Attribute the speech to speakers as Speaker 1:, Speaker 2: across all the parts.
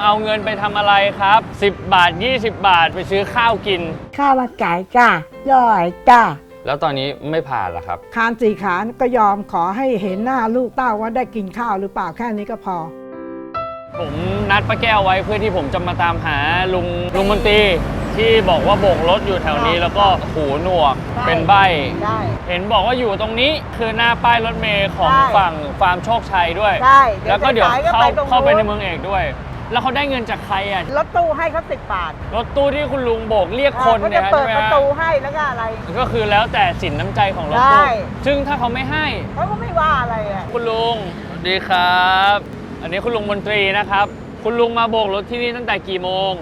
Speaker 1: เอาเงินไปทำอะไรครับ10 บาท20 บาทไปซื้อข้าวกิน
Speaker 2: ข้าวมันไก่จ้าย่อยจ้า
Speaker 1: แล้วตอนนี้ไม่ผ่านหรอครับ
Speaker 2: คานสี่ขาก็ยอมขอให้เห็นหน้าลูกเต้าว่าได้กินข้าวหรือเปล่าแค่นี้ก็พอ
Speaker 1: ผมนัดป้าแก้วไว้เพื่อที่ผมจะมาตามหาลุงมนตรีที่บอกว่าโบกรถอยู่แถวนี้แล้วก็หูหนวกเป็นใบ้เห็นบอกว่าอยู่ตรงนี้คือหน้าป้ายรถเมล์ของฝั่งฟาร์มโชคชัยด้วยแล้วก็เดี๋ยวเข้าไปในเมืองเอกด้วยแล้วเขาได้เงินจากใครอ่ะ
Speaker 3: รถตู้ให้เขา10 บาท
Speaker 1: รถตู้ที่คุณลุงโบกเรียกคนเนี่ย
Speaker 3: ใช่ไหมเปิดประตูให้แล้วก็อะไร
Speaker 1: ก็คือแล้วแต่สินน้ำใจของรถตู้ซึ่งถ้าเขาไม่ให้
Speaker 3: เขาก็ไม่ว่าอะไรอ่ะ
Speaker 1: คุณลุงสวัสดีครับอันนี้คุณลุงมนตรีนะครับคุณลุงมาโบกรถที่นี่ตั้งแต่กี่โมง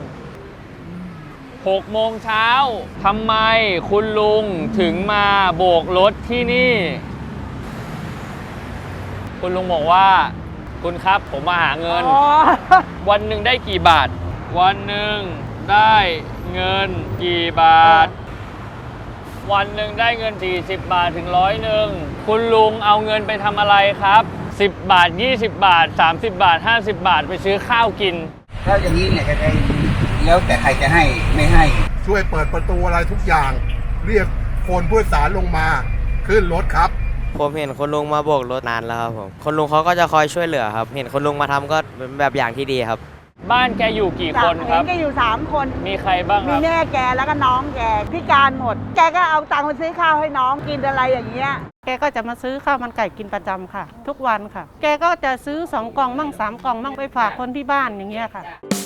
Speaker 1: 6 โมงเช้าทำไมคุณลุงถึงมาโบกรถที่นี่คุณลุงบอกว่าคุณครับผมมาหาเงินวันหนึ่งได้กี่บาทวันหนึ่งได้เงินกี่บาทวันหนึ่งได้เงิน40 บาทถึง100คุณลุงเอาเงินไปทำอะไรครับ10 บาท20 บาท30 บาท50 บาทไปซื้อข้าวกิน
Speaker 4: แล้วอย่างนี้เนี่ยจะได้แล้วแต่ใครจะให้ไม่ให้
Speaker 5: ช่วยเปิดประตูอะไรทุกอย่างเรียกคนผู้โดยสารลงมาขึ้นรถครับ
Speaker 6: ผมเห็นคุณลุงมาโบกรถนานแล้วครับผมคุณลุงเขาก็จะคอยช่วยเหลือครับเห็นคุณลุงมาทำก็เป็นแบบอย่างที่ดีครับ
Speaker 1: บ้านแกอยู่กี่คนครับ
Speaker 3: แกอยู่3 คน
Speaker 1: มีใครบ้างครับ
Speaker 3: มีแม่แกแล้วก็น้องแกพิการหมดแกก็เอาตังค์ไปซื้อข้าวให้น้องกินอะไรอย่างเงี้ย
Speaker 7: แกก็จะมาซื้อข้าวมันไก่กินประจำค่ะทุกวันค่ะแกก็จะซื้อ2 กล่องมั่ง3 กล่องมั่งไปฝากคนที่บ้านอย่างเงี้ยค่ะ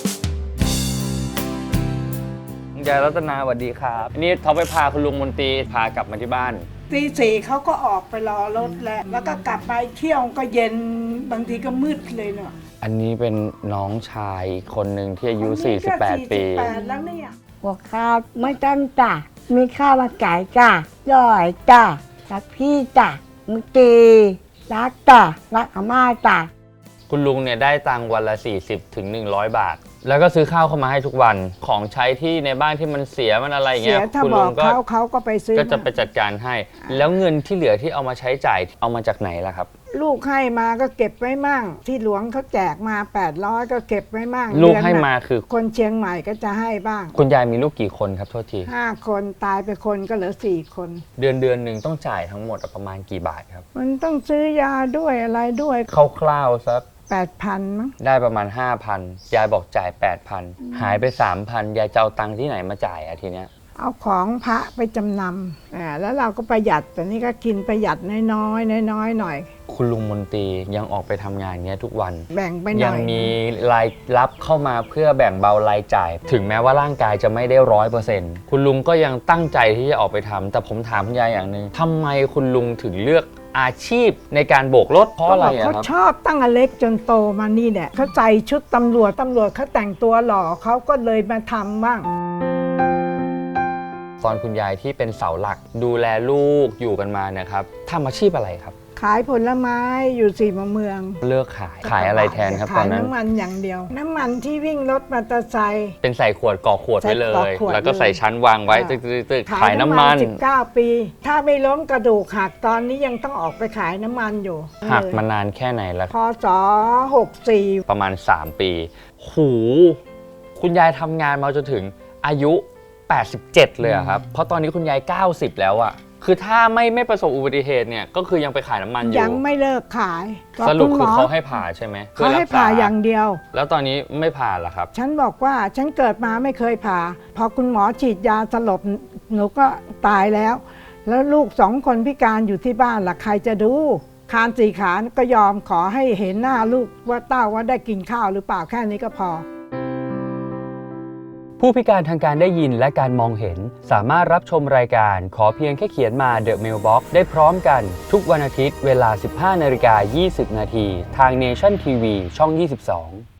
Speaker 1: ยายรัตนาสวัสดีครับนี่เขาไปพาคุณลุงมนตรีพากลับมาที่บ้าน
Speaker 2: ตีสี่เขาก็ออกไปรอรถแล้วก็กลับไปเที่ยวก็เย็นบางทีก็มืดเลยเนาะ
Speaker 1: อันนี้เป็นน้องชายคนหนึ่งที่อายุ48 ปี
Speaker 2: แล้วเนี่ยบอกข้าวไม่ต้องจ้ะมีข้าวมันไก่จ้ะย่อยจ้ะรักพี่จ้ะมุตีรักจ้ะรักอาม่าจ้ะ
Speaker 1: คุณลุงเนี่ยได้ตังค์วันละ40 ถึง 100 บาทแล้วก็ซื้อข้าวเข้ามาให้ทุกวันของใช้ที่ในบ้านที่มันเสียมันอะไรเงี้ย
Speaker 2: คุณลุงก็เขาก็ไปซื้อ
Speaker 1: ก็จะไปจัดการให้แล้วเงินที่เหลือที่เอามาใช้จ่ายเอามาจากไหนล่ะครับ
Speaker 2: ลูกให้มาก็เก็บไว้มั่งที่หลวงเขาแจกมา800ก็เก็บไว้มั่ง
Speaker 1: ลูกให้มาคือ
Speaker 2: คนเชียงใหม่ก็จะให้บ้าง
Speaker 1: คุณยายมีลูกกี่คนครับโทษที
Speaker 2: 5 คนตายไปคนก็เหลือ4 คน
Speaker 1: เดือนหนึ่งต้องจ่ายทั้งหมดประมาณกี่บาทครับ
Speaker 2: มันต้องซื้อยาด้วยอะไรด้วย
Speaker 1: คร่าวๆสัก
Speaker 2: 8,000 มั้ง
Speaker 1: ได้ประมาณ 5,000 ยายบอกจ่าย 8,000 หายไป 3,000 ยายจะเอาตังค์ที่ไหนมาจ่ายอะทีเนี้ย
Speaker 2: เอาของพระไปจำนำแล้วเราก็ประหยัดแต่นี่ก็กินประหยัดน้อยหน่อย
Speaker 1: คุณลุงมนตรียังออกไปทำงานเงี้ยทุกวัน
Speaker 2: แบ่งไปหน่อย
Speaker 1: ยังมีรายรับเข้ามาเพื่อแบ่งเบารายจ่ายถึงแม้ว่าร่างกายจะไม่ได้100%คุณลุงก็ยังตั้งใจที่จะออกไปทำแต่ผมถามคุณยายอย่างนึงทำไมคุณลุงถึงเลือกอาชีพในการโบกรถเพราะอะไรครับ
Speaker 2: เขาชอบตั้งแต่เล็กจนโตมานี่เนี่ยเขาใส่ชุดตำรวจเขาแต่งตัวหล่อเขาก็เลยมาทำบ้าง
Speaker 1: ตอนคุณยายที่เป็นเสาหลักดูแลลูกอยู่กันมาเนี่ยครับทำอาชีพอะไรครับ
Speaker 2: ขายผลไม้อยู่สี่มุมเมือง
Speaker 1: เลิกขายอะไรแทนครับตอนนั้น
Speaker 2: ขายน้ำมันอย่างเดียวน้ำมันที่วิ่งรถมอเตอร์ไซค์
Speaker 1: เป็นใส่ขวดก่อขวดไว้เลยแล้วก็ใส่ชั้นวางไว้ตึกขายน้ำมัน
Speaker 2: 19 ปีถ้าไม่ล้มกระดูกหักตอนนี้ยังต้องออกไปขายน้ำมันอยู่
Speaker 1: หักมานานแค่ไหนแล้ว
Speaker 2: พศ64
Speaker 1: ประมาณ3 ปีหูคุณยายทำงานมาจนถึงอายุ87เลยครับเพราะตอนนี้คุณยาย90แล้วอะคือถ้าไม่ประสบอุบัติเหตุเนี่ยก็คือยังไปขายน้ำมันอยู่
Speaker 2: ยังไม่เลิกขาย
Speaker 1: สรุปคือเขาให้ผ่าใช่ไหม
Speaker 2: เขาให้ผ่าอย่างเดียว
Speaker 1: แล้วตอนนี้ไม่ผ่าหรอครับ
Speaker 2: ฉันบอกว่าฉันเกิดมาไม่เคยผ่าพอคุณหมอฉีดยาสลบหนูก็ตายแล้วลูก2 คนพิการอยู่ที่บ้านล่ะใครจะดูคาน4 ขาก็ยอมขอให้เห็นหน้าลูกว่าเต้าว่าได้กินข้าวหรือเปล่าแค่นี้ก็พอ
Speaker 1: ผู้พิการทางการได้ยินและการมองเห็นสามารถรับชมรายการขอเพียงแค่เขียนมา The Mailbox ได้พร้อมกันทุกวันอาทิตย์เวลา 15:20 น.ทาง Nation TV ช่อง 22